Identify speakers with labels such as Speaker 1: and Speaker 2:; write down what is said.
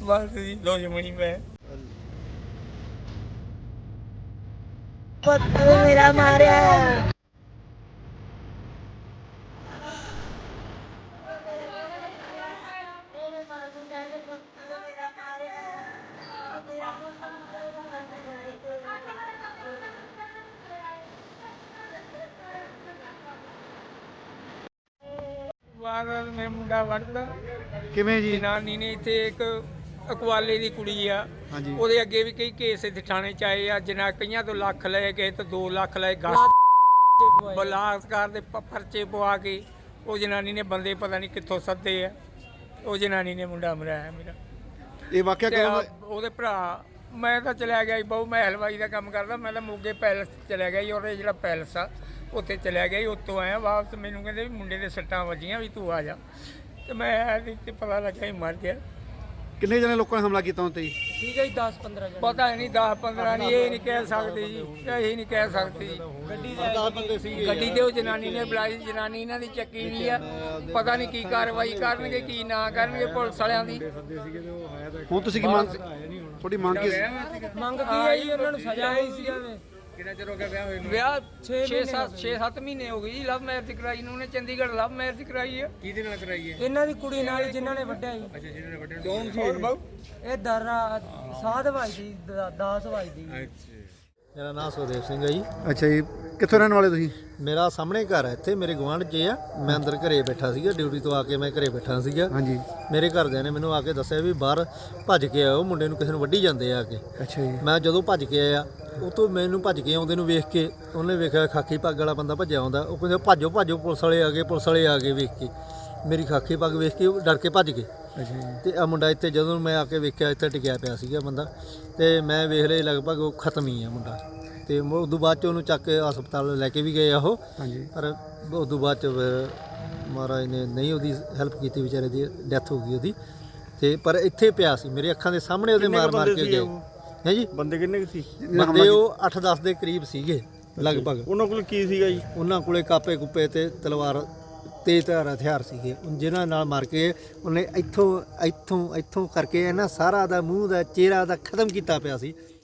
Speaker 1: बस जी दुश्मनी में
Speaker 2: मेरा मारिया
Speaker 1: ਵਾਰਦਾਤ ਮੈਂ ਮੁੰਡਾ ਵੜਦਾ
Speaker 3: ਕਿਵੇਂ ਜੀ?
Speaker 1: ਜਨਾਨੀ ਨੇ ਇੱਥੇ ਇੱਕ ਅਕਵਾਲੇ ਦੀ ਕੁੜੀ ਆ
Speaker 3: ਹਾਂਜੀ।
Speaker 1: ਉਹਦੇ ਅੱਗੇ ਵੀ ਕਈ ਕੇਸ ਇੱਥੇ ਥਾਣੇ ਚ ਆਏ ਆ ਜਿਨ੍ਹਾਂ ਕਈਆਂ ਤੋਂ ਲੱਖ ਲਏ ਗਏ ਤੇ 2 ਲੱਖ ਲਏ ਬਲਾਤਕਾਰ ਦੇ ਪਰਚੇ ਪਵਾ ਕੇ ਉਹ ਜਨਾਨੀ ਨੇ ਬੰਦੇ ਪਤਾ ਨਹੀਂ ਕਿੱਥੋਂ ਸੱਦੇ ਆ ਉਹ ਜਨਾਨੀ ਨੇ ਮੁੰਡਾ ਮਰਾਇਆ ਮੇਰਾ
Speaker 3: ਇਹ ਵਾਕਿਆ
Speaker 1: ਤੇ
Speaker 3: ਕਦੋਂ ਦਾ?
Speaker 1: ਉਹਦੇ ਭਰਾ ਮੈਂ ਤਾਂ ਚਲਿਆ ਗਿਆ ਸੀ ਬਹੁ ਮੈਂ ਹਲਵਾਈ ਦਾ ਕੰਮ ਕਰਦਾ ਮੈਂ ਤਾਂ ਮੋਗੇ ਪੈਲਸ ਚਲਿਆ ਗਿਆ ਸੀ ਉਹਦੇ ਜਿਹੜਾ ਪੈਲਸ ਆ ਉੱਥੇ ਚਲਿਆ ਗਿਆ ਸੀ ਉੱਥੋਂ ਆਇਆ ਵਾਪਸ ਮੈਨੂੰ ਕਹਿੰਦੇ ਵੀ ਮੁੰਡੇ ਦੇ ਸੱਟਾਂ ਵੱਜੀਆਂ ਵੀ ਤੂੰ ਆ ਜਾ ਤੇ ਮੈਂ ਆਇਆ ਤੇ ਪਤਾ ਲੱਗਾ ਹੀ ਮਰ ਗਿਆ
Speaker 3: ਕਿੰਨੇ ਜਣੇ ਲੋਕਾਂ ਨੇ ਹਮਲਾ ਕੀਤਾ ਉਹਨਾਂ ਤੇ ਜੀ?
Speaker 4: ਠੀਕ ਹੈ ਜੀ 10-15 ਜਣੇ
Speaker 1: ਪਤਾ ਨਹੀਂ 10-15 ਨਹੀਂ ਇਹ ਨਹੀਂ ਕਹਿ ਸਕਦੇ ਜੀ ਇਹ ਨਹੀਂ ਕਹਿ ਸਕਦੇ ਜੀ ਗੱਡੀ ਤੇ ਉਹ ਜਨਾਨੀ ਨੇ ਬੁਲਾਈ ਜਨਾਨੀ ਇਹਨਾਂ ਦੀ ਚੱਕੀ ਵੀ ਆ ਪਤਾ ਨਹੀਂ ਕੀ ਕਾਰਵਾਈ ਕਰਨਗੇ ਕੀ ਨਾ ਕਰਨਗੇ ਪੁਲਿਸ ਵਾਲਿਆਂ ਦੀ
Speaker 3: ਹੁਣ ਤੁਸੀਂ ਕੀ ਮੰਗ ਤੁਹਾਡੀ ਮੰਗ ਕੀ ਸੀ?
Speaker 4: ਮੰਗ ਕੀ ਹੈ ਜੀ ਉਹਨਾਂ ਨੂੰ ਸਜ਼ਾ ਹੋਈ ਸੀ ਜਾਵੇ
Speaker 1: ਕਿੰਨਾ ਚਿਰ ਹੋ ਗਿਆ ਵਿਆਹ ਹੋਏ ਨੂੰ ਵਿਆਹ 6-7 ਮਹੀਨੇ ਹੋ ਗਏ ਜੀ ਲਵ ਮੈਰਿਜ ਕਰਾਈ ਨੂੰ ਉਹਨੇ ਚੰਡੀਗੜ੍ਹ ਲਵ ਮੈਰਿਜ ਕਰਾਈ ਹੈ ਕਿਹਦੇ ਨਾਲ ਕਰਾਈ ਹੈ
Speaker 4: ਇਹਨਾਂ ਦੀ ਕੁੜੀ ਨਾਲ ਜਿਨ੍ਹਾਂ ਨੇ ਵੱਢਿਆ ਜੀ
Speaker 1: ਅੱਛਾ ਜਿਹਨਾਂ ਨੇ ਵੱਡੇ ਕੌਣ ਸੀ ਹੋਰ ਬਾਊ
Speaker 4: ਇਹ ਦਰਾ ਸਾਧ ਭਾਈ ਦੀ 10 ਭਾਈ ਦੀ
Speaker 5: ਮੇਰਾ ਨਾਮ ਸੁਖਦੇਵ ਸਿੰਘ ਹੈ ਜੀ।
Speaker 3: ਅੱਛਾ ਜੀ, ਕਿੱਥੋਂ ਰਹਿਣ ਵਾਲੇ ਤੁਸੀਂ?
Speaker 5: ਮੇਰਾ ਸਾਹਮਣੇ ਘਰ ਹੈ ਇੱਥੇ ਮੇਰੇ ਗੁਆਂਢ 'ਚ ਆ। ਮੈਂ ਅੰਦਰ ਘਰੇ ਬੈਠਾ ਸੀਗਾ ਡਿਊਟੀ ਤੋਂ ਆ ਕੇ ਮੈਂ ਘਰੇ ਬੈਠਾ ਸੀਗਾ।
Speaker 3: ਹਾਂਜੀ।
Speaker 5: ਮੇਰੇ ਘਰਦਿਆਂ ਨੇ ਮੈਨੂੰ ਆ ਕੇ ਦੱਸਿਆ ਵੀ ਬਾਹਰ ਭੱਜ ਕੇ ਆਓ ਮੁੰਡੇ ਨੂੰ ਕਿਸੇ ਨੂੰ ਵੱਢੀ ਜਾਂਦੇ ਆ ਕੇ।
Speaker 3: ਅੱਛਾ ਜੀ।
Speaker 5: ਮੈਂ ਜਦੋਂ ਭੱਜ ਕੇ ਆਇਆ ਉਹ ਤੋਂ ਮੈਨੂੰ ਭੱਜ ਕੇ ਆਉਂਦੇ ਨੂੰ ਵੇਖ ਕੇ ਉਹਨੇ ਵੇਖਿਆ ਖਾਕੀ ਪੱਗ ਵਾਲਾ ਬੰਦਾ ਭੱਜਿਆ ਆਉਂਦਾ ਉਹ ਕਹਿੰਦੇ ਭਾਜੋ ਭਾਜੋ ਪੁਲਿਸ ਵਾਲੇ ਆ ਗਏ ਵੇਖ ਕੇ ਮੇਰੀ ਖਾਕੀ ਪੱਗ ਵੇਖ ਕੇ ਉਹ ਡਰ ਕੇ ਭੱਜ ਗਏ।
Speaker 3: ਅੱਛਾ ਜੀ।
Speaker 5: ਤੇ ਆ ਮੁੰਡਾ ਇੱਥੇ ਜਦੋਂ ਮੈਂ ਆ ਕੇ ਵੇਖਿਆ ਇੱਥੇ ਟਿਕਿਆ ਪਿਆ ਸੀਗਾ ਬੰਦਾ ਤੇ ਮੈਂ ਵੇਖ ਲਿਆ ਲਗਭਗ ਉਹ ਖਤਮ ਹੀ ਆ ਮੁੰਡਾ ਤੇ ਉਸ ਤੋਂ ਬਾਅਦ ਚ ਉਹਨੂੰ ਚੱਕ ਕੇ ਹਸਪਤਾਲ ਲੈ ਕੇ ਵੀ ਗਏ ਆ ਉਹ।
Speaker 3: ਹਾਂਜੀ।
Speaker 5: ਪਰ ਉਸ ਤੋਂ ਬਾਅਦ ਚ ਫਿਰ ਮਹਾਰਾਜ ਨੇ ਨਹੀਂ ਉਹਦੀ ਹੈਲਪ ਕੀਤੀ ਵਿਚਾਰੇ ਦੀ ਡੈਥ ਹੋ ਗਈ ਉਹਦੀ ਤੇ ਪਰ ਇੱਥੇ ਪਿਆ ਸੀ ਮੇਰੇ ਅੱਖਾਂ ਦੇ ਸਾਹਮਣੇ ਉਹਦੇ ਮਾਰ ਕੇ ਗਏ ਹੈ ਜੀ।
Speaker 6: ਬੰਦੇ ਕਿੰਨੇ ਕੁ ਸੀ?
Speaker 5: ਬੰਦੇ ਉਹ 8-10 ਦੇ ਕਰੀਬ ਸੀਗੇ ਲਗਭਗ।
Speaker 6: ਉਹਨਾਂ ਕੋਲ ਕੀ ਸੀਗਾ ਜੀ?
Speaker 5: ਉਹਨਾਂ ਕੋਲੇ ਕਾਪੇ ਕੁੱਪੇ ਤੇ ਤਲਵਾਰ ਤੇਜ਼ ਧਾਰ ਹਥਿਆਰ ਸੀਗੇ ਜਿਨ੍ਹਾਂ ਨਾਲ ਮਾਰ ਕੇ ਉਹਨੇ ਇੱਥੋਂ ਕਰਕੇ ਨਾ ਸਾਰਾ ਦਾ ਮੂੰਹ ਦਾ ਚਿਹਰਾ ਦਾ ਖਤਮ ਕੀਤਾ ਪਿਆ ਸੀ।